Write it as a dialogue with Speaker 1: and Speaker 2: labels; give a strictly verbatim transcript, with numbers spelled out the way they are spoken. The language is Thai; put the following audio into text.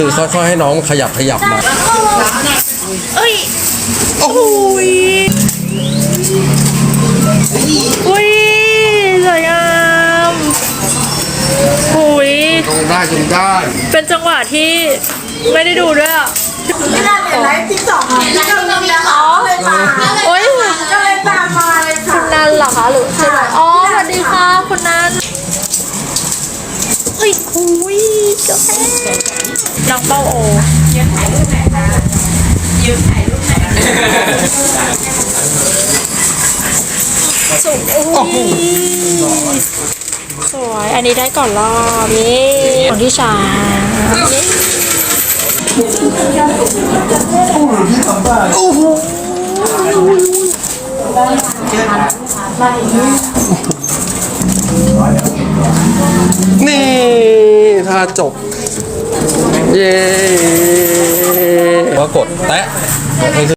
Speaker 1: คือค่อยๆให้น้องขยับขยับมา
Speaker 2: เอ้ยโอ้ยอุ้ยสวยงามอุ้ย
Speaker 1: ตรงได้ตรงได้
Speaker 2: เป็นจังหวะที่ไม่ได้ดูด้วยอ่ะ
Speaker 3: ไม่น่าเป็นไรติ๊กต็อกที่ก็มีแล้วอ๋อเลยมา
Speaker 2: โอ้ย
Speaker 3: ก็เลยตามมาเลยค่ะ
Speaker 2: คุณนันเหรอคะหรือใช่ไหมอ๋อสวัสดีค่ะคุณนันเฮ้ยอุ้ยเจ้าแม่น้องเป้าโอยืนถ่ายรูปไหนนะยืนถ่ายรูปไหนสวยอุ้ยสวยอันนี้ได้ก่อนรอบนี่ของที่สาม
Speaker 1: นี่ถ้าจบ เย้ว่ากดแตะ